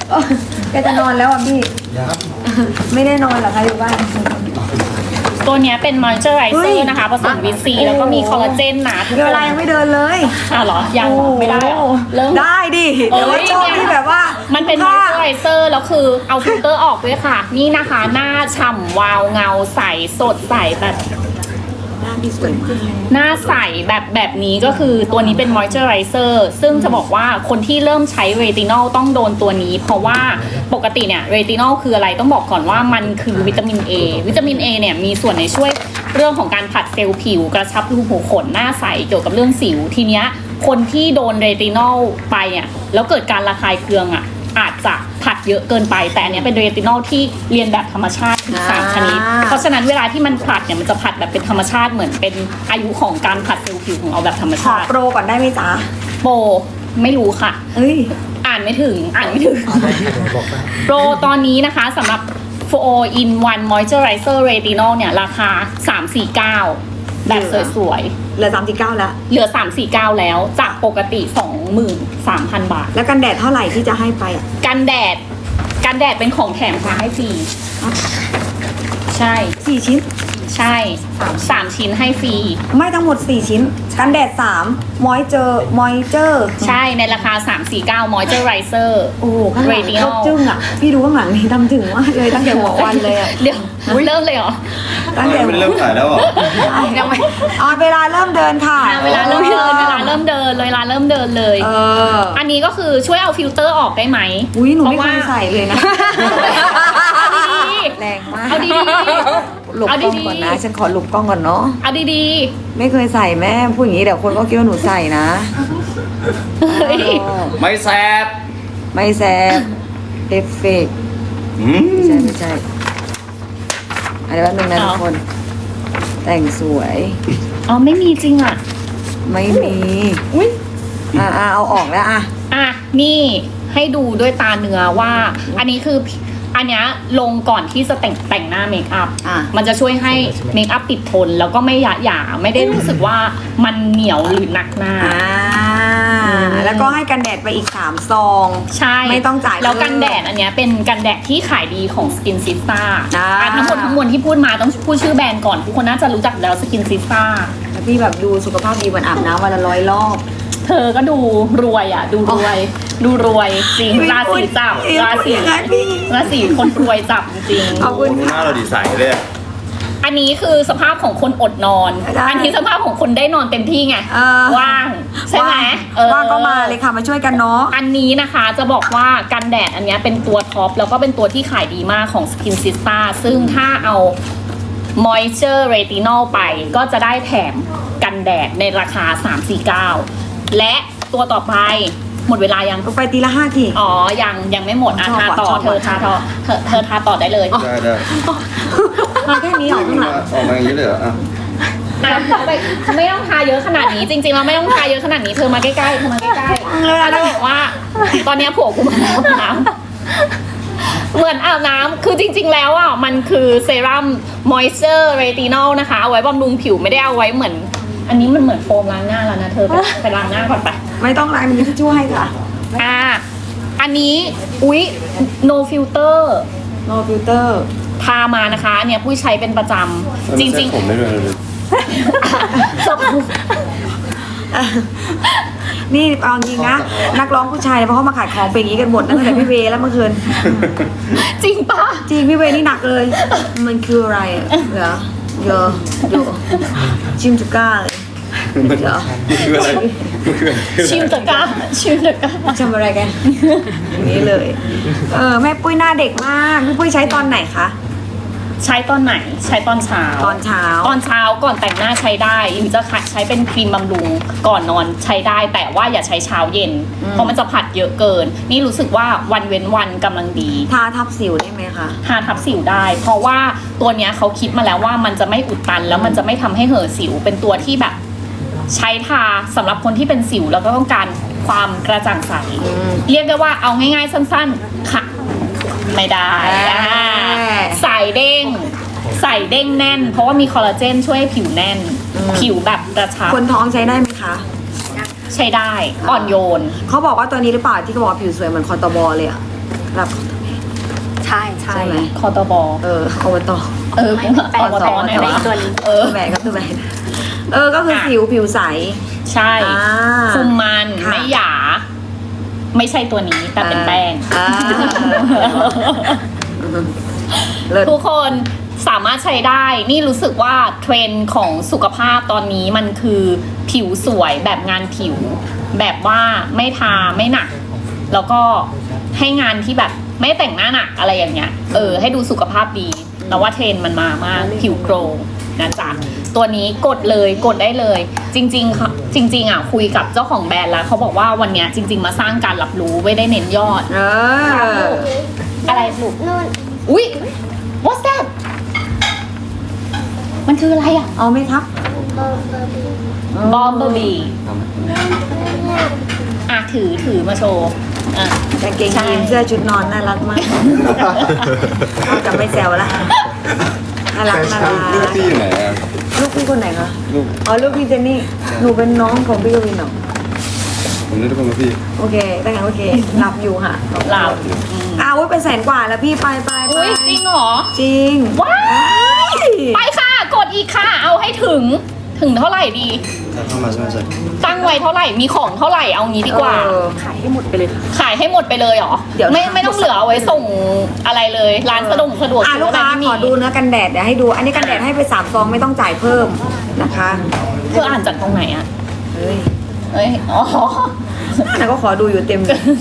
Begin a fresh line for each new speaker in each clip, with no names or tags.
แกจะนอนแล้วอ่ะพี่ไม่ได้นอนหรอคะอยู่บ้าน
ตัวเนี้ยเป็นมอยเจอร์ไรเซอร์นะคะผสมวิตซีแล้วก็มีคอลลาเจนนะทุก
เว
คน
ลายังไม่เดินเลย
อ้าวเหรอยังเหรอไม่ได้เหรอเริ่ม
ได้ดิแต่ว่าชอบที่แบบว่า
มันเป็นมอยเจอร์ไรเซอร์แล้วคือเอาฟิลเตอร์ออกด้วยค่ะ นี่นะคะหน้าฉ่ำวาวเงาใสสดใสแบบ
หน้าพี่สวยมาก
หน้าใสแบบนี้ก็คือตัวนี้เป็นมอยเจอร์ไรเซอร์ซึ่งจะบอกว่าคนที่เริ่มใช้เรตินอลต้องโดนตัวนี้ เพราะว่าปกติเนี่ยเรตินอลคืออะไรต้องบอกก่อนว่ามันคือวิตามิน A วิตามิน A เนี่ยมีส่วนในช่วยเรื่องของการผลัดเซลล์ผิวกระชับรูขุมขนหน้าใสเกี่ยวกับเรื่องสิวทีเนี้ยคนที่โดนเรตินอลไปอ่ะแล้วเกิดการระคายเคืองอ่ะอาจจะผัดเยอะเกินไปแต่อันเนี้ยเป็นเรตินอลที่เรียนแบบธรรมชาติถึง3ชนิดเพราะฉะนั้นเวลาที่มันผลัดเนี่ยมันจะผลัดแบบเป็นธรรมชาติเหมือนเป็นอายุของการผลัดเซลล์ผิวของเราแบบธรรม
ขอ
ชาติ
โปรก่อนได้ไหมจ๊ะ
โปรไม่รู้ค่ะ
เฮ้ย
อ่านไม่ถึงโปรตอนนี้นะคะสำหรับ 4 in 1 moisturizer retinol เนี่ยราคา 349 แบบสวย
เหลือ39แล้ว
ๆเหลือ 349 แล้วจากปกติ 23,000 บาท
แล้วกันแดดเท่าไหร่ที่จะให้ไปอ่ะ
กันแดดเป็นของแถมค่ะให้ฟรีใช่
4 ชิ้น
ใช่3ชิ้นให้ฟรี
ไม่ทั้งหมด4ชิ้นกันแดด3มอยเจอร์
ใช่ในราคา 349 moisturizer
โอ้โหข้างหลัง
Retinol
เขาจึ้งอ่ะพี่ดูข้างหลังนี่ทำถึงมากเลยตั้งแต่หัววันเลยอ่ะ
เดี๋ยวเริ่มเลยเหรอ
ตั้งแต่
ไม่ได้เริ่มขายแล้วเหรอ
ยังไม่
เอาเวลาเริ่มเดินค่ะ
เวลาเริ่มเดินเลย
เออ
อันนี้ก็คือช่วยเอาฟิลเตอร์ออกได้ไหม
อุ้ยหนูไม่เคยใส่เลยนะ
เอาดี
แรงมาก
ๆเอาดี
หลบกล้องก่อนนะฉันขอหลบกล้องก่อนเนาะ
ๆเอาดี
ไม่เคยใส่แม่พูดอย่างนี้เดี๋ยวคนก็คิดว่าหนูใส่นะ
ๆเฮ้ย
ไม่แซบ
ไม่แซบเอฟเฟกต์
อืม
ไม่ใช่อันนี้แป๊บนึงนะทุกคน แต่งสวย
อ๋อไม่มีจริงอ่ะ
ไม่มี
อุ้ย
เอาออกแล้วอ่ะ
อ่ะนี่ให้ดูด้วยตาเนื้อว่า อันนี้คืออันเนี้ยลงก่อนที่จะแต่งหน้าเมคอัพ
อ่ะ
มันจะช่วยให้เมคอัพติดทน แล้วก็ไม่หยาหยาไม่ได้รู้สึกว่ามันเหนียวหรือหนักหน้า
แล้วก็ให้กันแดดไปอีก3ซอง
ใช่
ไม่ต้องจ่าย
แล้ว
เพิ่ม
กันแดดอันเนี้ยเป็นกันแดดที่ขายดีของ Skin Sister ทั้งหมดทั้งมวลที่พูดมาต้องพูดชื่อแบรนด์ก่อนทุกคนน่าจะรู้จักแล้ว Skin Sister
แล้วพี่แบบดูสุขภาพดีเหมือนอาบน้ำวันละ100 รอบ
เธอก็ดูรวยอ่ะ ดูรวย ดูรวยจริง ราศีจับ ราศีคนรวยจับจริง
ขอบคุณ
หน้าเราดีใสเลยอะ
อันนี้คือสภาพของคนอดนอน
ได้
อันนี้สภาพของคนได้นอนเต็มที่ไง ว่าง ใช่ไหมเออ
ว่างก็มาเลยค่ะมาช่วยกันเนาะ
อันนี้นะคะจะบอกว่ากันแดดอันเนี้ยเป็นตัวท็อปแล้วก็เป็นตัวที่ขายดีมากของ Skin Sister ซึ่งถ้าเอา Moisture Retinol ไปก็จะได้แถมกันแดดในราคา 349 และตัวต่อไปหมดเวลายัง
ไปตีละ5 ที
อ๋อ ยังไม่หมดอ่ะ
ชอบ
ทา
ว่ะ
ต่อ
ชอบ
เธอ
ว่ะ
ทาต่อเธอทาต่อได้เลย
ได้
มาแค่นี้เหรอข้างหลัง
ออกมาอย่างนี้เลยเหรออ่ะ
อ่ะไม่ต้องทาเยอะขนาดนี้ จริงๆเราไม่ต้องทาเยอะขนาดนี้เธอมาใกล้ๆเธอมาใกล้ๆแล้วจะบอกว่า ตอนเนี้ยผัวกูมาอาบน้ำเหมือนอาบน้ำคือจริง ๆ แล้วอ่ะมันคือเซรั่ม moisture retinol นะคะ เอาไว้บำรุงผิวไม่ได้เอาไว้เหมือน อันนี้มันเหมือนโฟมล้างหน้าแล้วนะเธอไปล้างหน้าก่อนไป
ไม่ต้องล้างมีทิชชู่ให้ค่ะ
อันนี้อุ๊ย no filter
no filter
ทามานะคะอันเนี่ยผู้ใช้เป็นประจำจริง
ผมได้ด้วยเลย
นี่เอาจริงนะ นักร้องผู้ชายเนี่ยเพราะเขามาขายของเป็นอย่างนี้กันหมดตั้งแต่พี่เวย์แล้วเมื่อคืน
จริงปะ
จริงพี่เวย์นี่หนักเลย มันคืออะไรอะเหรอเยอะดูชิมจุก้าเลย
มันคืออะไรมันคืออะไร
ชิมตะกร้าชิมตะกร้า
ทำอะไรกันอย่างนี้เลย แม่ปุ้ยหน้าเด็กมากพี่ปุ้ยใช้ตอนไหนคะ
ใช้ตอนไหนใช้ตอนเช้า
ตอนเช้า
ตอนเช้าก่อนแต่งหน้าใช้ได้หรือจะใช้เป็นครีมบำรุงก่อนนอนใช้ได้แต่ว่าอย่าใช้เช้าเย็น เพราะมันจะผัดเยอะเกิน นี่รู้สึกว่าวันเว้นวันกำลังดี
ทาทับสิวได้ไหมคะ
ทาทับสิวได้ เพราะว่าตัวเนี้ยเขาคิดมาแล้วว่ามันจะไม่อุดตันแล้วมันจะไม่ทำให้เห่อะสิวเป็นตัวที่แบบ ใช้ทาสำหรับคนที่เป็นสิวแล้วก็ต้องการความกระจ่างใส เรียกได้ว่าเอาง่ายๆสั้นๆค่ะไม่ได้ใส่เด้งแน่น เพราะว่ามีคอลลาเจนช่วยให้ผิวแน่น ผิวแบบกระชับ
คนท้องใช้ได้ไหมคะ
ใช้ได้อ่อนโยน
เขาบอกว่าตัวนี้หรือเปล่าที่เขาบอกว่าผิวสวยเหมือนคอตบอเลยอะรับ
ใช่ใช่
ใช่ไหม
คอตบ
อบต
แปลว่าตอนไหนวะ
ตัวนี้
ตัวแบกครับตัวแบกก็คือผิวใส
ใช่
อ่า
คุมมัน
ค่ะ
ไม่หยา ไม่ใช่ตัวนี้แต่เป็นแป้ง
อ่าเลิศ
ทุกคนสามารถใช้ได้ นี่รู้สึกว่าเทรนด์ของสุขภาพตอนนี้มันคือผิวสวยแบบงานผิว แบบว่าไม่ทาไม่หนัก แล้วก็ให้งานที่แบบไม่แต่งหน้าหนักอะไรอย่างเงี้ย ให้ดูสุขภาพดีแต่ว่าเทรนด์มันมามากผิวโกลว์นะจ๊ะ ตัวนี้กดเลยกดได้เลย จริงๆค่ะจริงๆอ่ะคุยกับเจ้าของแบรนด์แล้วเขาบอกว่าวันเนี้ยจริง ๆ มาสร้างการรับรู้ไม่ได้เน้นยอด อะไรลูก
นู่น
อุ๊ย what's that มันคืออะไรอ่ะ
เอาไหมครับ
บอมเบอร์บี้
Bumblebee อ่ะถือมาโชว์อ่ะ
กางเกงยีนเสื้อชุดนอนน่ารักมากจะไม่แซวละน่ารักน่ารัก
ลูกพี่อยู่ไหนอะ
ลูกพี่คนไหนคะ
ลูก
อ๋อลูกพี่เจนนี่หนูเป็นน้องของพี่กวินเหรอ
ผมนึกว่าเป็นพี่
โอเคได้ค่ะโอเคหลับอยู่ค่ะ
หลับ
อุ้ยเป็นแสนกว่าแล้วพี่ไป
อุ๊ยจริงเหรอ
จริง
ว้ายไปค่ะ กดอีกค่ะ เอาให้ถึงเท่าไหร่ดี
ถ้าเข้ามาใช่ไหมใช่
ตั้งไว้เท่าไหร่ มีของเท่าไหร่ เอางี้ดีกว่า
ขายให้หมดไปเลยค่ะ
ขายให้หมดไปเลยเหรอ
เดี๋ยว
ไม่ต้องเหลือเอาไว้ส่งอะไรเลย ร้านสะดวกซื้อ
ลูก
อะไร
ค้า
ไม่มี
ขอดูเนื้อกันแดดเดี๋ยวให้ดู อันนี้กันแดดให้ไป3 ซองไม่ต้องจ่ายเพิ่มนะคะ
เธออ่านจากตรงไหนอะ
เฮ้ย
เอ้ย อ๋อ
แต่ก็ขอดูอยู่เต็ม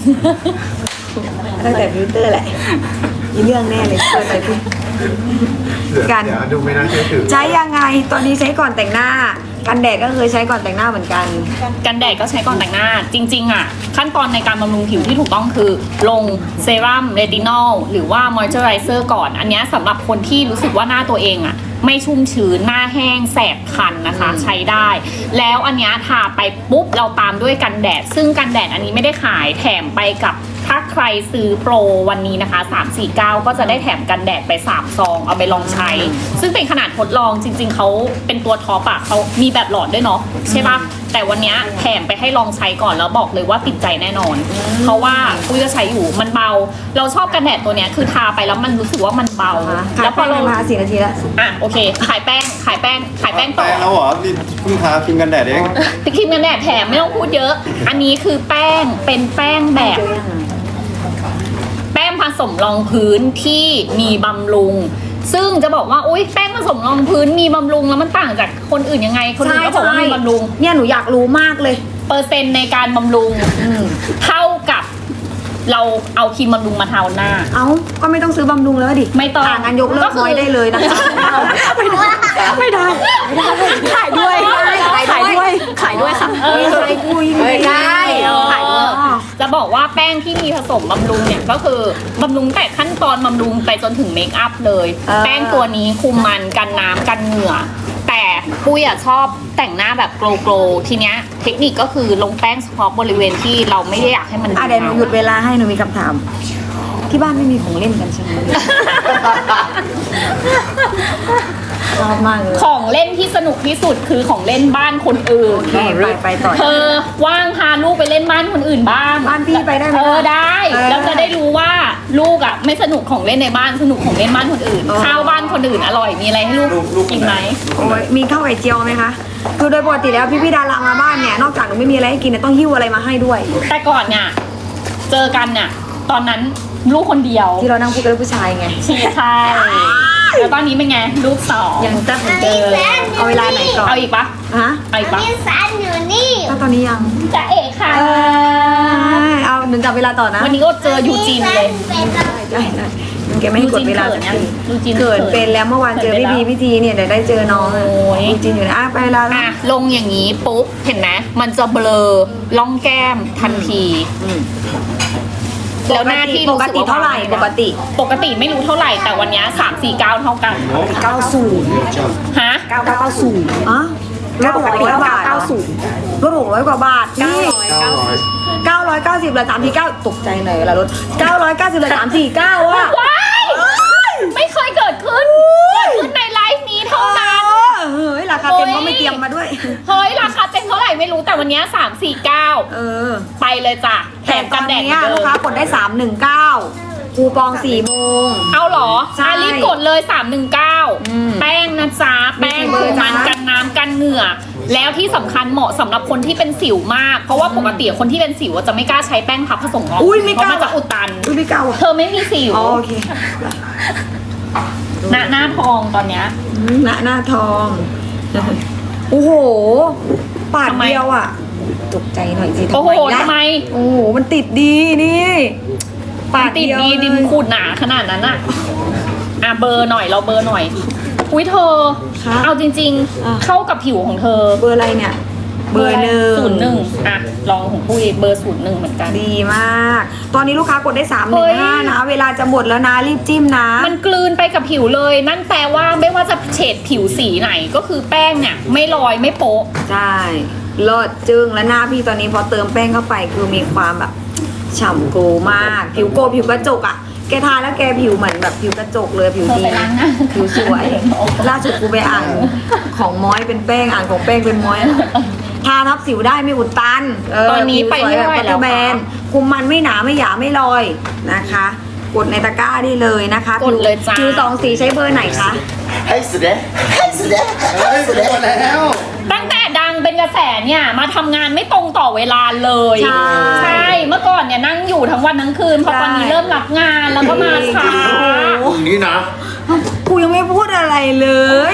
ตั้งแต่ฟิลเตอร์แหละมีเรื่องแน่เลยเปิดไปพูดกัน
เดี๋ยวดูไม่น่าเชื่อถือ
ใช้ยังไงตอนนี้ใช้ก่อนแต่งหน้า กันแดดก็เคยใช้ก่อนแต่งหน้าเหมือนกัน
กันแดดก็ใช้ก่อนแต่งหน้า จริงๆอ่ะขั้นตอนในการบำรุงผิวที่ถูกต้องคือ ลงเซรั่มเรตินอลหรือว่ามอยเจอไรเซอร์ก่อน อันเนี้ยสำหรับคนที่รู้สึกว่าหน้าตัวเองอ่ะไม่ชุ่มชื้นหน้าแห้งแสบคันนะคะ ใช้ได้ แล้วอันเนี้ยทาไปปุ๊บเราตามด้วยกันแดด ซึ่งกันแดดอันนี้ไม่ได้ขายแถมไปกับถ้าใครซื้อโปรวันนี้นะคะ349ก็จะได้แถมกันแดดไป3 ซองเอาไปลองใช้ ซึ่งเป็นขนาดทดลองจริง ๆเขาเป็นตัวท็อปอะเขามีแบบหลอดด้วยเนาะใช่ปะแต่วันเนี้ยแถมไปให้ลองใช้ก่อนแล้วบอกเลยว่าติดใจแน่นอน เพราะว่าปุ้ยก็ใช้อยู่มันเบา เราชอบกันแดดตัวเนี้ยคือทาไปแล้วมันรู้สึกว่ามันเบา
ขาย
แล้วพ
แป้
องเรา
มา4 นาทีแล้ว
อ่ะโอเคขายแป้งต่อ
แป้งแล้วเหรอนี่เพิ่งทาครีมกันแดดเอง
แต่ครีมกันแดดแถมไม่ต้องพูดเยอะ อันนี้คือแป้งเป็นแป้งแบบ แป้งผสมรองพื้นที่มีบำรุง ซึ่งจะบอกว่าอุ๊ยแป้งผสมรองพื้นมีบำรุงแล้วมันต่างจากคนอื่นยังไง คนอื่นก็บอกว่ามีบำรุง
เนี่ยหนูอยากรู้มากเลย
เปอร์เซ็นต์ในการบำรุงเท่ากับเราเอาครีมบำรุงมาทาหน้า
เอ้าก็ไม่ต้องซื้อบำรุงแล้วดิ
ไม่ต้อง
งานยกเลิ
ก็
ก
คือ
น้อยได้เลยนะคะ
ไม่ได้ขายด้วยขายด้วยค่ะ
ใช้คุย
ไม่ได้
ขายด้วยจะบอกว่าแป้งที่มีผสมบำรุงเนี่ยก็คือบำรุงแต่ขั้นตอนบำรุงไปจนถึงเมคอัพเลย แป้งตัวนี้คุมมันกันน้ำกันเหงื่อ แต่ปุ้ยอะชอบแต่งหน้าแบบโกลว์ทีเนี้ยเทคนิคก็คือลงแป้งเฉพาะบริเวณที่เราไม่ได้อยากให้มัน
เดี๋ยวหนูหยุดเวลาให้หนูมีคำถาม ที่บ้านไม่มีของเล่นกันใช่ไหมชอบมากเลย
ของเล่นที่สนุกที่สุดคือของเล่นบ้านคนอื่น
ไปต่อ
เธอว่างพาลูกไปเล่นบ้านคนอื่นบ้าง
บ้านพี่ไปได้ไหม
ได้ แล้วจะได้รู้ว่าลูกอ่ะไม่สนุกของเล่นในบ้านสนุกของเล่นบ้านคนอื่น ข้าวบ้านคนอื่นอร่อยมีอะไรให้ลูกกินไหม
โอ้ยมีข้าวไข่เจียวไหมคะ คือโดยปกติแล้วพี่ดารามาบ้านเนี่ยนอกจากหนูไม่มีอะไรให้กินเนี่ยต้องหิ้วอะไรมาให้ด้วย
แต่ก่อนเนี่ยเจอกันเนี่ยตอนนั้นลูกคนเดียว
ที่เรานั่งพูดกับผู้ชายไง
ใช่แล้วตอนนี้เป็นไงลูก2
ยังแซ่บเหมือนเดิมเอาเวลาไหนก่อน
เอาอีกปะ
ฮะ
เอาอีกปะ
นี่สันอยู่นี่
ถ้าตอนนี้ยัง
จะเอกค่ะ
เอาหนึ่งจับเวลาต่อนะ
วันนี้ก็เจอยูจีนเลย
ได้แกไม่ให้กดเวลาสักที
ยูจีน
เกิดเป็นแล้วเมื่อวานเจอพี่พีพี่ทีเนี่ยเดี๋ยวได้เจอน้อง
โอ้ย
จริงอยู่นะไปเวลาแล้ว
อ่ะลงอย่างนี้ปุ๊บเห็นไหมมันจะเบลอล่องแก้มทันที แล้วหน้าที่
ป
รู้
ก
สึก
ติ
ว่า
เท่าไหร่
วง
ปกติ
ปกติไม่รู้เท่าไหร่แต่วันเนี้ย349 เท่ากัน
90
ฮะ
990อ๋อลด600 บาทลด600 กว่าบาทนี่990เหลือ349ตกใจหน่อยเวลารถ990เหลือ349อ่ะ
ว้ายไม่เคยเกิดขึ้นในไลฟ์นี้เท่านั้น
เฮ้ยราคาเต็มก็ไม่เตรียมมาด้วย
เฮ้ยราคาเต็มเท่าไหร่ไม่รู้แต่วันเนี้ย349
เออ
ไปเลยจ้ะแถมกันแดดเหมื
เนี้
อย นเดิ
ลูก
ม
ค้ากดได้319 คูปอง4 โมง
เอาเหรอ
ใช่
รีบกดเลย 319 แป้งนะจ๊ะ แป้ง
มีกี่เบอร์
มัน
จ๊ะ
กันน้ำกันเหงื่อ แล้วที่สำคัญเหมาะสำหรับคนที่เป็นสิวมาก เพราะว่าปกติคนที่เป็นสิวจะไม่กล้าใช้แป้งพับผสมงอก
อุ้ยไม่
เพ
กล้า
ราะมันจะอุดตัน
อุ้ยไม่กล้าว่ะ
เธอไม่มีสิว
อ๋อโอเค
หน้าทองตอนเนี้ย
หน้าทอง โอ้โห ปาด
ทำไม
เดียวอ่ะ ตกใจหน่อยสิ
โอ้โห
ล่ะ
ทำไม
โอ้โห มันติดดีนี่ ปาด
ติด
เยว
ดีดินขูดหนาขนาดนั้นอะอ่ะเบอร์หน่อยเราเบอร์หน่อย อุ้ยเธอ เอาจริง
อ่ะ
ๆ เข้ากับผิวของเธอ
เบอร์อะไรเนี่ย เบอร์
01อ่ะลองของปุ้ยเบอร์01เหมือนกัน
ดีมาก ตอนนี้ลูกค้ากดได้
เฮ้ย
315นะ เวลาจะหมดแล้วนะ รีบจิ้มนะ
มันกลืนไปกับผิวเลย นั่นแปลว่าไม่ว่าจะเฉดผิวสีไหนก็คือแป้งเนี่ยไม่ลอยไม่โป๊ะ
ใช่เลิศจึงและหน้าพี่ตอนนี้พอเติมแป้งเข้าไปคือมีความแบบฉ่ำโกมาก ผิวโกผิวกระจกอ่ะ แกทาแล้วแกผิวเหมือนแบบผิวกระจกเลยผิว
เธอ
ดี
ไปล้างหน้า
ผิวสวย ล่าสุดกูไปอ่านของม้อยเป็นแป้งอ่านของแป้งเป็นม้อยทาทับสิวได้ไม่อุดตัน
ตอนนี้ไปไม่ไหวแล้ว
แบน
ค่ะ
คุมมันไม่หนาไม่หยาไม่ลอยนะคะ กดในตะกร้าได้เลยนะคะ
กดเลยจ้า
ผิวสองสีใช้เบอร์ไหนคะ
ให้สุดเลยให้สุดเลย
เฮ้ยสุดแล้ว
ตั้งแต่ดังเป็นกระแสเนี่ยมาทำงานไม่ตรงต่อเวลาเลย
ใช่
เมื่อก่อนเนี่ยนั่งอยู่ทั้งวันทั้งคืนพอตอนนี้
ใช่
เริ่มรับงานแล้วก็มาช้า
อย่างนี้นะ
กูยังไม่พูดอะไรเลย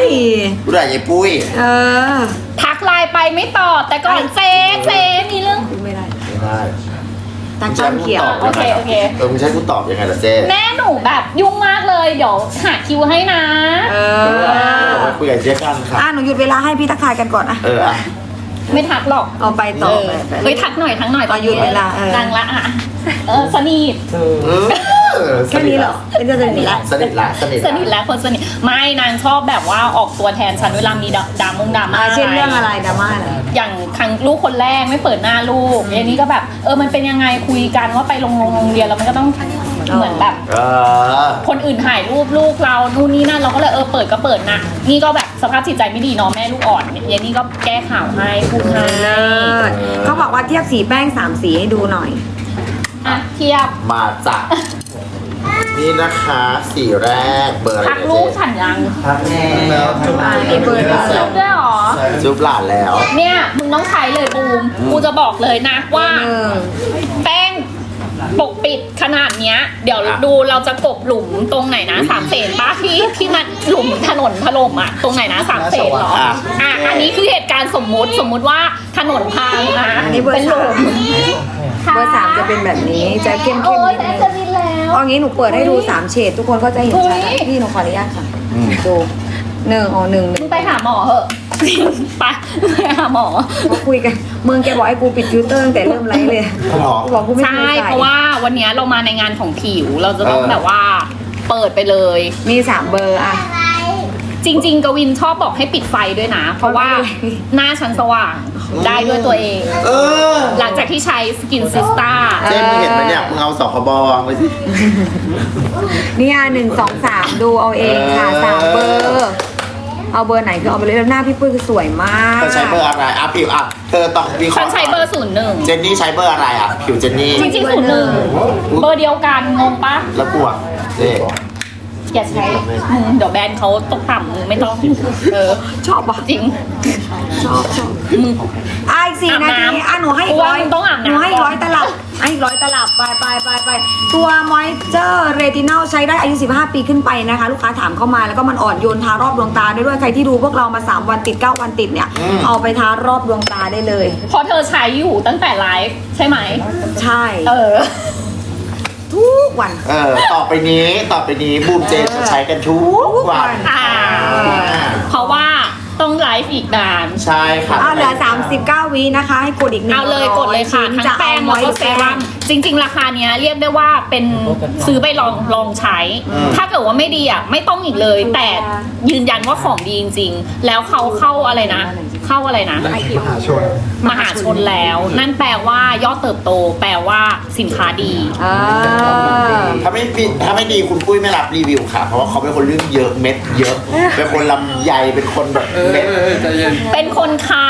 พูดอะไรยายปุ้ย
เออ
ทักไลน์ไปไม่ตอบแต่ก่อนเจ๊มีเรื่อง
พูดไม่ได้
ไม่ได้
ตาจ้ำเขียว
โอเคโอเค
มึงใช้กูตอบยังไงล่ะเจ๊
แม่หนูแบบยุ่งมากเลยเดี๋ยวหาคิวให้นะ
เอ
ไปคุยกับเจ๊กันค่ะ
หนูหยุดเวลาให้พี่ทักทายกันก่อนอะ
อ่ะ
ไม่ทักหรอก
เอาไปต่อไปไป
เฮ้ยทักหน่อยตอน
หยุดเวลาเออ
ดังละอ่ะสนิท
แค่นี้เหรอเป็นจะสนิทละ
สนิทละสนิท
สนิทแล้วคนสนิทไม่นางชอบแบบว่าออกตัวแทนฉันเวลามีดราม่า
เช่นเรื่องอะไรดราม่าอะไร
อย่างครั้งลูกคนแรกไม่เปิดหน้าลูกอย่างนี้ก็แบบมันเป็นยังไงคุยกันว่าไปโรงเรียนแล้วมันก็ต้องเหมือนแบบ คนอื่นถ่ายรูปลูกเรานู่นนี่นั่นเราก็เลยเปิดก็เปิดนะนี่ก็แบบสภาพจิตใจไม่ดีเนาะแม่ลูกอ่อนเนี่ยนี่ก็แก้ข่าวให้พูดให้
เลิศเขาบอกว่าเทียบสีแป้ง3 สีให้ดูหน่อย
อ่ะเทียบ
มาจับนี่นะคะสีแรกเบอร์อะไร
ทักลูกฉันยัง
ทักแน่
แล้วจุ๊บ
นี่เบอร์
เทียบด้วยเหรอ
จุ๊บหลานแล้ว
เนี่ยมึงต้องใช้เลยบูมกูจะบอกเลยนะว่า แป้งปกปิดขนาดเนี้ย เดี๋ยวดูเราจะกบหลุมตรงไหนนะ3 เสนป้าที่มันหลุมถนนถล่มอ่ะตรงไหนนะ3 เสนเหรออันนี้คือเหตุการณ์สมมุติว่าถนนพังนะ
อันนี้เบอร์
เป็นหลุม
เบอร์ 3จะเป็นแบบนี้จะเข้ม
โอ้
ๆ
ย
นิด
แต่
นึง
จะดินแล้ว
เอางี้หนูเปิดให้ดู3 เฉดทุกคนก็จะเห็นชัด
เฮ้ย
พี่หนูขออนุญาตค่ะดูหนึ่ง
มึงไปหาหมอเหอะไปหาหมอ
เขาคุยกันมึงแกบอกให้กูปิดฟิลเตอร์ตั้งแต่เริ่มไลฟ์เลย
หรอ
กูบอกกูไม่
ใช่
เคยใส่
เพราะว่าวันนี้เรามาในงานของผิวเราจะต้องแบบว่าเปิดไปเลย
มี3 เบอร์อะ
จริง ๆ กวินชอบบอกให้ปิดไฟด้วยนะ เพราะว่าหน้าฉันสว่างได้ด้วยตัวเอง หลังจากที่ใช้สกินซิสตา
เจ๊มึงเห็นไหมเนี่ยมึงเอาสคบวางไว้สิ
เนี่ย1 2 3ดูเอาเองค่ะ3 เบอร์ เอาเบอร์ไหนคือเอาไปเลยแล้วหน้าพี่ปุ้ยคือสวยมาก
เธอใช้เบอร์อะไรผิวเธอต้องวิเค
ฉั
ราะ
น
ห์
ใช้เบอร์01
เจนนี่ใช้เบอร์อะไรผิวเจนนี่
จริงๆ01เบอร์เดียวกันงงปะ
แล้วกลัวเจ๊
อย่าใช้เดี๋ยวแบรนด์เขาตกต่ำมึงไม่ต้อง
ชอบปะ
จริง
ชอบ
มึง
อีก4 นาที
อาบน้ำ
หนูให้อีก
ว่ามึงต้องอาบน้ำ
หนูให้อีก
ก่อน
100 ตลับให้อีก100 ตลับไปตัวมอยเจอร์เรตินอลใช้ได้อายุ15 ปีขึ้นไปนะคะ ลูกค้าถามเข้ามาแล้วก็มันอ่อนโยนทารอบดวงตาได้ด้วยใครที่ดูพวกเรามา3 วันติด9 วันติดเนี่ยเอาไปทารอบดวงตาได้เลย
พอเธอใช้อยู่ตั้งแต่ไลฟ์ใช่ไหม
ใช่
ทุ
ทุกวัน
ต่อไปนี้บูมเจนจะใช้กันทุกวัน
เพราะว่าต้องไลฟ์อีกนาน
ใช่ค่ะ
เหลือ39 วินะคะ ให้กดอีก100
เอาเลยกดเลยค่ะทั้งแป้งแล้วก็เซรั่มจริง ๆ ราคาเนี้ยเรียกได้ว่าเป็นซื้อไปลองใช้ ถ้าเกิดว่าไม่ดีไม่ต้องอีกเลย แต่ยืนยันว่าของดีจริง ๆ แล้วเขาเข้าอะไรนะมหาชนแล้ว นั่นแปลว่ายอดเติบโต แปลว่าสินค้าดี
ถ้าไม่ดีคุณปุ้ยไม่รับรีวิวค่ะ เพราะว่าเขาเป็นคนเรื่องเยอะเม็ดเยอะ เป็นคนลำใหญ่เป็นคนแบบเม็ด
ใจเย็น
เป็นคนคัด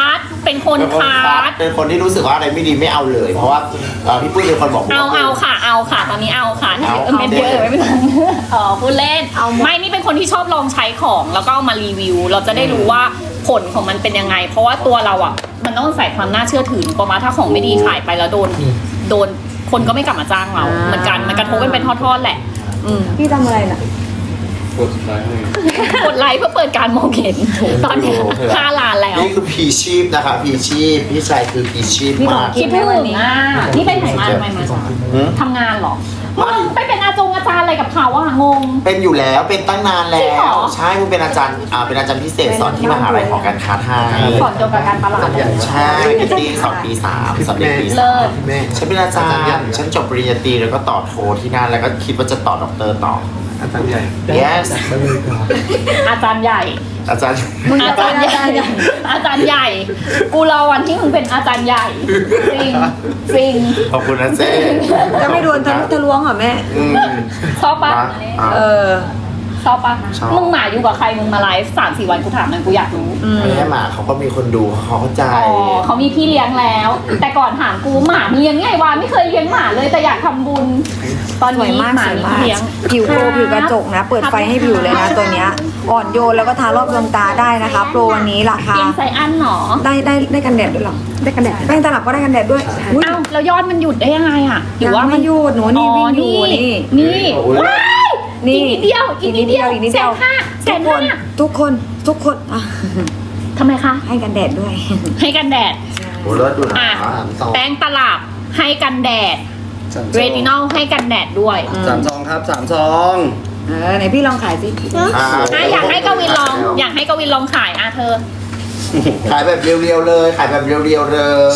เป็นคนคัด
เป็นคนที่รู้สึกว่าอะไรไม่ดีไม่เอาเลย เพราะว่าพี่ปุ้ยเป็นคนบอก
เอาค่ะตอนนี้เอาค่ะ
เอา
เม็ดเยอะไม่เป็นไรพูดเล่น
เอาหมด
ไม่นี่เป็นคนที่ชอบลองใช้ของแล้วก็เอามารีวิว เราจะได้รู้ว่าผลของมันเป็นยังไง เพราะว่าตัวเราอ่ะมันต้องใส่ความน่าเชื่อถือประมาณถ้าของไม่ดีขายไปแล้วโดนคนก็ไม่กลับมาจ้างเราเหมือนกันมันกระทบกันเป็นทอดๆแหละ
พี่ทำอะไรน่ะ
กดไลค์ให้
กดไลค์เพื่อเปิดการมองเห็นตอนนี้5 ล้านแล้ว
นี่คือพีชีพนะคะพีชีพพี่ชายคือพีชีพ
พี่หมอ
มาก
คิดถึงอ่ะนี่เป็นไหนมาทำไมมาทำงานเหรอมึงไปเป็นอาจารย์อะไรกับเขาอ่ะงง
เป็นอยู่แล้วเป็นตั้งนานแล้
จริงเหร
ว
อ
ใช่มึงเป็นอาจารย์เป็นอาจารย์พิเศษสอนที่มหาลัยของการค้าไทย
สอนเกี่ยวกับการตลาด
ใช่ปีสอนปี 3สอนเด็กปี
เลิศ
3ฉันเป็นอาจารย์ฉันจบปริญญาตรีแล้วก็ต่อโทที่นั่นแล้วก็คิดว่าจะต่อด็อกเตอร์ต่อ
อาจารย์ใหญ่
yes
อาจารย์ใหญ่
อาจารย์
อาจารย์ใหญ่ อาจารย์ใหญ่ กูรอวันที่มึงเป็นอาจารย์ใหญ่จริงจริง
ขอบคุณนะเจ๊
จะไม่โดนทะลุทะลวงเหรอแม่
ชอบปะ
เออ
ชอบปะ
ชอบ
มึงหมาอยู่กับใครมึงมาไลฟ์3-4 วันกูถามหน่อยกูอยากรู้
ไม่ใช่หมาเขาก็มีคนดูเขาเข้าใจ
อ๋อเขามีพี่เลี้ยงแล้ว แต่ก่อนถามกูหมามีเลี้ยงไงวะไม่เคยเลี้ยงหมาเลยแต่อยากทำบุญ ตอน
สวย
นี้
มาก
หมา
สวย
มี
มาก
พี่เลี้ยง
ผิวโปรผิวกระจกนะ เปิดไฟให้ผิวเลยนะตัวเนี้ย อ่อนโยนแล้วก็ทารอบดวงตาได้นะคะ โปรวันนี้ราคา
เลี้ยงไซอันเหรอ
ได้กันแดดด้วยเหรอ ได้กันแดดแป้งตลับก็ได้กันแดดด้วยอุ๊ย
อ้าวแล้วยอดมันหยุดได้ยังไงอ่ะหรือว่า
ยังไม่หยุดหนูนี่วิ่งอยู่นี่
นี่ว้าย
นี่
อีกนิดเดียวอีกนิดเดียว
อีกนิดเดียว
150,000
ทุกคนอ่ะ
ทำไมคะ
ให้กันแดดด้วย
ให้กันแดด
โอ้เลิศดูนะ
อ่ะแป้งตลับให้กันแดด เรตินอลให้กันแดดด้วย
3 ซองครับ 3 ซอง
ไหนพี่ลองขายสิ
อยากให้กวินลอง อยากให้กวินลองขายเธอ
ขายแบบเรียวๆเลยขายแบบเรียวๆเลย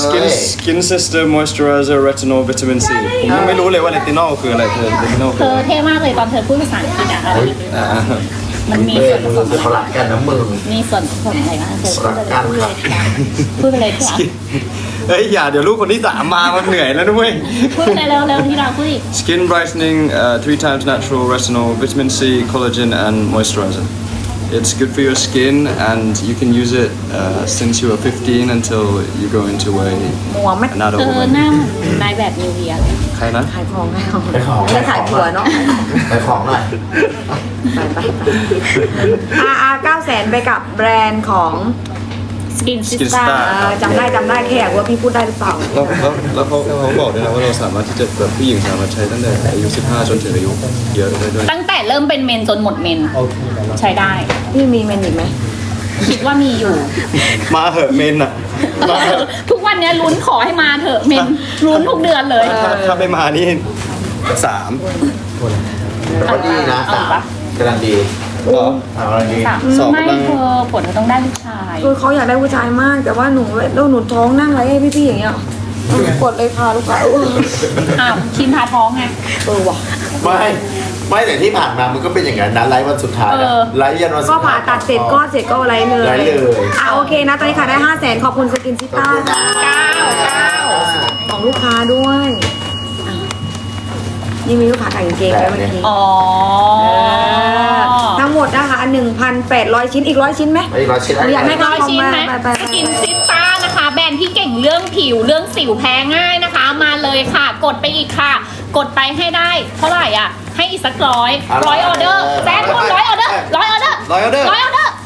Skin Sister Moisturizer Retinol Vitamin C ผมยังไม่รู้เลยว่าเรตินอลคืออะไรเธอเรตินอล
เธ
คือ
อ
อะไร
เท่มากเลยตอนเธอพูดภาษาอังกฤษอะ
อ่า
มันมี
เบ้
ส่วนผ
มื
ส
อ
ม
เขาหลักกันนะมึง
มีส่วนผสมอะไรบ้างเธอ
รักกันค่ะ
พูดไปเลยเถอะ
เฮ้ยอย่าเดี๋ยวลูกคนที่ 3 มามันเหนื่อยแล้วด้วย
พูดไปเลยเร็วๆที่เราพูดอีก
Skin brightening, 3 times natural retinol, vitamin C, collagen, and moisturizer. It's good for your skin, and you can use it since you are 15 until you go into a
มัวไหม
an adult
เธอ
woman.
หน้าเหมือนนายแบบนิวเยียร์เลย
ใครนะ
ขายของแล้ว
ไปของ
จะขายผัวเนาะ
ไปของหน่อย
900,000ไปกับแบรนด์ของ
Skin
Skin
Sister
Star
จำได้แค่อยากรู้ว่าพี่พูดได้หรือเปล่า
แล้วเขาบอกด้วยนะว่าเราสามารถที่จะแบบผู้หญิงสามารถใช้ตั้งแต่อายุ 15 จนถึงอายุเยอะได้ด้วย
ตั้งแต่เริ่มเป็นเมนจนหมดเมน ใช้ได้
พี่มีเมนอีกไหม
คิดว่ามีอยู่
มาเหอะเมนอ่ะมาเหอะ
ทุกวันเนี้ยลุ้นขอให้มาเถอะเมนลุ้นทุกเดือนเลย
ถ้าไม่มานี่ 3
แต่ก็ดีนะ
เอาปะ
กำลังดี
ก็
กำลังดี
สอบ
ไม่
กำลัง
เธอผลเธอต้องได้ลูกชาย
คือเขาอยากได้ผู้ชายมาก แต่ว่าหนูท้องนั่งไรให้พี่ๆอย่างเงี้ยกดเลยค่ะลูกค้า
อ้าวคิมพาท้องไง
ว่ะ
ไม่แต่ที่ผ่านมามันก็เป็นอย่างนั้นนะไลฟ์วันสุดท้ายนะไลฟ์ยันวันสุ
ก็
ดท้าย
ผ่าตัดเสร็จก็อะไรเลย
ไลฟ์เลย
โอเคนะตอนนี้ขายได้ 500,000ขอบคุณสกินซิต้าของลูกค้าด้วยนี่มีลูกค้าขายกางเกงด้วยเมื่อกี้
อ๋อ
ทั้งหมดนะคะ1,800 ชิ้นอีก100 ชิ้นไหม
ไอ้ร้อยชิ้น
อยากให้
ร้อยชิ้นไหม
ไป
สกินซิสต้านะคะ แบรนด์ที่เก่งเรื่องผิวเรื่องสิวแพ้ง่ายนะคะ มาเลยค่ะ กดไปอีกค่ะ กดไปให้ได้ เท่าไหร่อ่ะ ให้อีกสักร้อยออเดอร์แซนคนร้อยออเดอร์ร้อยออเดอร์
ร้อยออเดอร์
ร้อยออเดอร์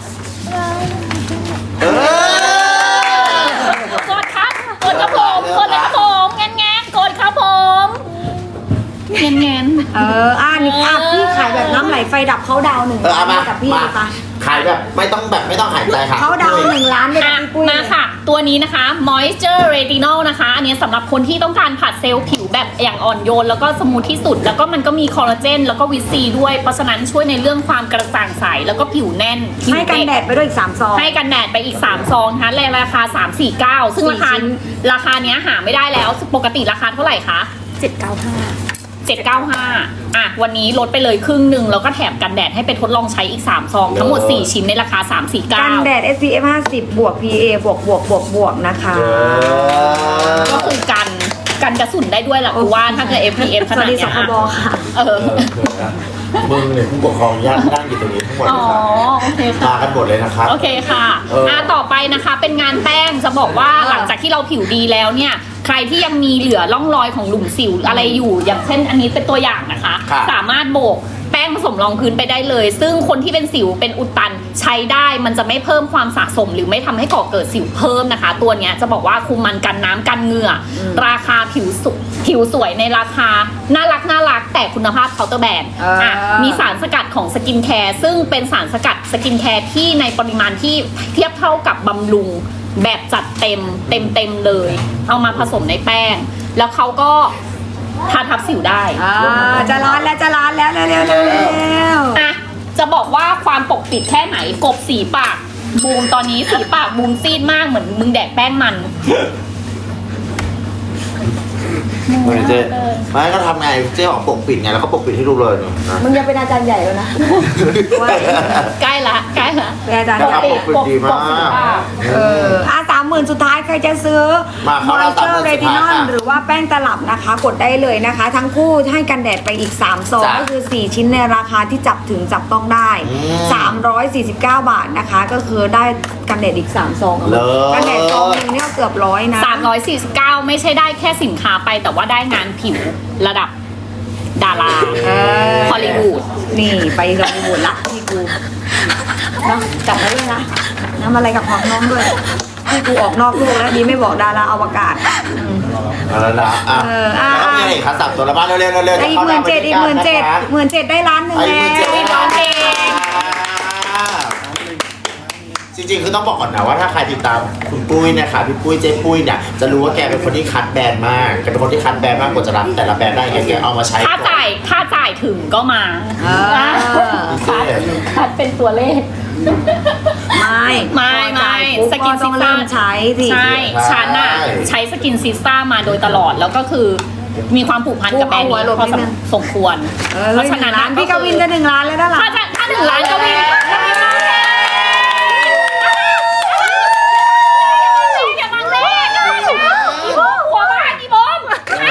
กดครับ กดครับผมกดเลยครับผมแงนกดครับผมแงน
นี่พี่ขายแบบน้ำไหลไฟดับเขาดาว1 ล้าน
มา
กับพี่
มา
ค่ะ
ขายแบบไม่ต้องหายใจค่ะ
เขาดาว1 ล้านเลยกับพี่ปุ้ย
มาค่ะ ตัวนี้นะคะ Moisture Retinol นะคะ อันนี้สำหรับคนที่ต้องการผัดเซลล์ผิวแบบอย่างอ่อนโยน แล้วก็สมูทที่สุด แล้วก็มันก็มีคอลลาเจนแล้วก็วิตซีด้วย เพราะฉะนั้นช่วยในเรื่องความกระจ่างใส แล้วก็ผิวแน่นผิว
ให้กัน
เด็ก
แดดไปด้วยอีก3 ซอง
ให้กันแดดไปอีก 3 ซองนะคะในราคา 349 ซึ่ง
4 ชิ้น
ราคาเนี้ยหาไม่ได้แล้ว ปกติราคาเท่าไหร่คะ 795อ่ะวันนี้ลดไปเลยครึ่งหนึ่งแล้วก็แถมกันแดดให้ไปทดลองใช้อีก 3 ซอง ทั้งหมด 4 ชิ้นในราคา
กันแด
349
ด SPF 50 บวก PA บวกนะคะ
ก็คือกันกระสุนได้ด้วยแหละกูว่าถ้าเกิด FPF ข
สวั
นา
ส
ด
ดี
เนี้
ส
ย
คบค่ะ
เออ
มึงเนี่ยผู้ปกครองญาตินั่งอยู่ตรงนี้ทั้งหมด
อ๋
เล
อย
ครับ
โอเคค่ะ
มากันหมดเลยนะครับ
โอเคค่ะ ต่อไปนะคะเป็นงานแป้งจะบอกว่าหลังจากที่เราผิวดีแล้วเนี่ยใครที่ยังมีเหลือร่องรอยของหลุมสิวอะไรอยู่ อย่างเช่นอันนี้เป็นตัวอย่างนะคะ
ครับ
สามารถโบกแป้งผสมรองพื้นไปได้เลย ซึ่งคนที่เป็นสิวเป็นอุดตันใช้ได้มันจะไม่เพิ่มความสะสมหรือไม่ทำให้ก่อเกิดสิวเพิ่มนะคะ ตัวเนี้ยจะบอกว่าคุมมันกันน้ำกันเหงื่อราคาผิวสวยในราคาน่ารักแต่คุณภาพเคาน์เตอร์แบรนด์มีสารสกัดของสกินแคร์ซึ่งเป็นสารสกัดสกินแคร์ที่ในปริมาณที่เทียบเท่ากับบำรุงแบบจัดเต็มเลย เอามาผสมในแป้ง แล้วเขาก็ทาทับสิวได้
จะร้อนแล้วเร็ว
อ่ะจะบอกว่าความปกปิดแค่ไหนกบสีปากบูมตอนนี้สีปากบูมซีดมากเหมือนมึงแดกแป้งมัน
เหมือนเจ๊ไม่ก็ทำไงเจ๊ออกปกปิดไงแล้วก็ปกปิดให้ดูเลยนะ
มึงจะเป็นอาจารย์ใหญ่แล้วนะ
ใกล้ละ
เป็นอาจารย์
นะ
ให
ครั
ญ่
บปกปิดดีมาก
30,000 สุดท้ายใครจะซื้อ
มาเข้ารอบ
Moisture
30,000
Retinol
ค่ะ
หรือว่าแป้งตลับนะคะ กดได้เลยนะคะ ทั้งคู่ให้กันแดดไปอีก3ซอง
จ้ะ
ก็คือ 4 ชิ้นในราคาที่จับถึงจับต้องได้ 349 บาทนะคะ ก็คือได้กันแดดอีก3ซอง
เลิศ
กันแดดซองนึงเนี่ยเกือบ100นะ
349 ไม่ใช่ได้แค่สินค้าไปแต่ว่าได้งานผิวระดับดาราฮอลลีวูด
นี่ไปฮอลลีวูดละพี่กูเนาะจับไว้ด้วยนะน้ำอะไรกับของน้องด้วยพี่กูออกนอกโลกแล้วดีไม่บอกดาราอวกาศ
เอาแล้วนะอ่ะแล้วก็มีอะไรอีกครับ3ตัวละบ้านเร็วๆ
อีก
จะเข้า
17,000อีก17,000ได้ล้านหนึ่ง
ไอ้
แล้ว
จริงๆคือต้องบอกก่อนนะว่าถ้าใครติดตามคุณปุ้ยนะคะพี่ปุ้ยเจ๊ปุ้ยเนี่ยจะรู้ว่าแกเป็นคนที่คัดแบรนด์มากแกเป็นคนที่คัดแบรนด์มากกว่าจะรับแต่ละแบรนด์ได้แกเอามาใช้
ถ้าจ่ายถึงก็มา คัดเป็นตัวเลข ไม่สกิน
ต้
ซิ
อง
สต้า
เริ่มใช้สิ
ใช่ฉันอะใช้สกินซิสต้ามาโดยตลอดแล้วก็คือมีความผูกพันกับแบรนด์นี้พอสมควร เพราะฉะนั้น
ล้านพี่กวินจะ1 ล้านแล้วด้านหลัง
ถ้าถึงล้านกวินอย่ามาเล่นอีโบหัวบ้านอีโบม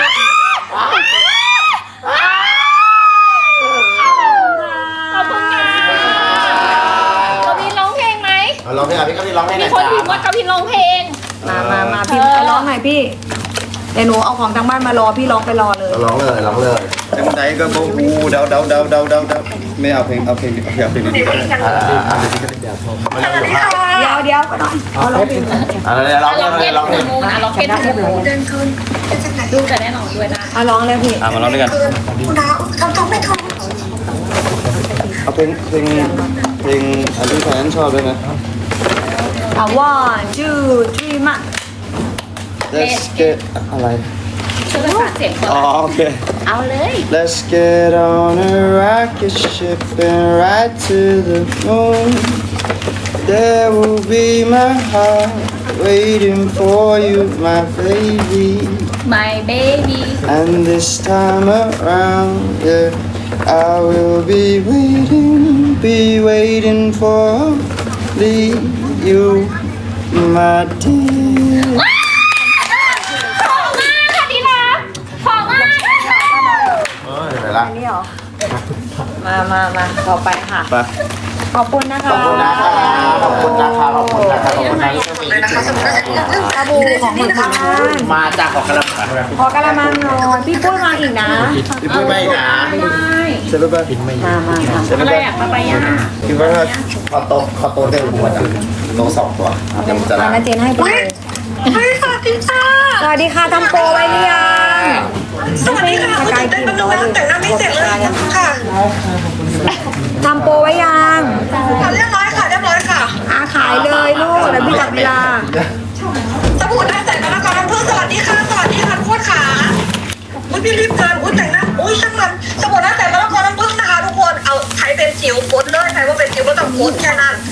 ขอบคุณค่ะกวินร้องเพลงไหม
ร้องเพลงพี่กวินร้องเพลงไหน
มีคนพิมพ์ว่ากวินร้องเพลง
มาพี่ไปร้องหน่อยพี่เดี๋ยวหนูเอาของทางบ้านมารอพี่ร้องไปรอเลย
ร้องเลย
จังไหนก็บอกอูเดาไม่เอาเพลงดีๆ
เดี๋ยวก็หน่อยเอาร้องเพลง
ร้องเพลง
มูนะล็อกเก็ตทูมูนดูแต่แน่นอนด้วยนะ
เอาร้องเลยพี่
มาร้องด้วยกัน
คุณน้าทำไม่ถูก
เอาเพลงอันที่แฟนชอบด้วยนะ
เอา 1 2 3 มา
Let's get อะไร
ช่วยประสานเสียงก่อน
อ๋อโอเค
เอาเลย
Let's get on a rocket ship and ride to the moon. There will be my heart waiting for you, my baby.
my baby
And this time around, yeah, I will be waiting for you, my dear.
ขอมากค่ะดีนะขอมาก
เดี๋ยวละ
นี่เหรอมาต่อไปค่ะ
ไป
ขอบคุณนะคะ
ขอบคุณนะคะที่จะมีที่ถึง
สบู่ของหมู่บ้าน
มาจากของกระมัง
ขอกระมังหน่อยพี่ปุ้ยมาอีกนะ
พี่ปุ้ยไม่นะ
เสร็จแล้วไป
มา
เสร็จ
อะ
แล้ว
ไร
ไป
อะปาปายา
คิดว่าถ้า
ขอโต๊ะเต็มหัวจ้ะโต๊ะ2 ตัวยังจะ
มา
รับ
นะเจนให้ไปเลย
เฮ้ยสวัสดีค่ะ
สวัสดีค่ะทำโปรไว้หรือยัง
สวัสดีค่ะคุณตื่นเต้นมากแต่งหน้าไม่เสร็จเลยค่ะ
ทำโปรไว้ยัง
เรียบร้อยค่ะ
ขายเลยลูกแล้วพี่จับเวลา
สบู่หน้าใสมะละกอน้ำผึ้งสวัสดีค่ะทุกคนค่ะอุ้ยพี่รีบเกินอุ้ยแต่งหน้าอุ้ยช่างมันสบู่หน้าใสมะละกอน้ำผึ้งนะคะทุกคนเอาใครเป็นจิ๋วกดเลยใครว่าเป็นจิ๋วก็ต้องกดแค่นั้น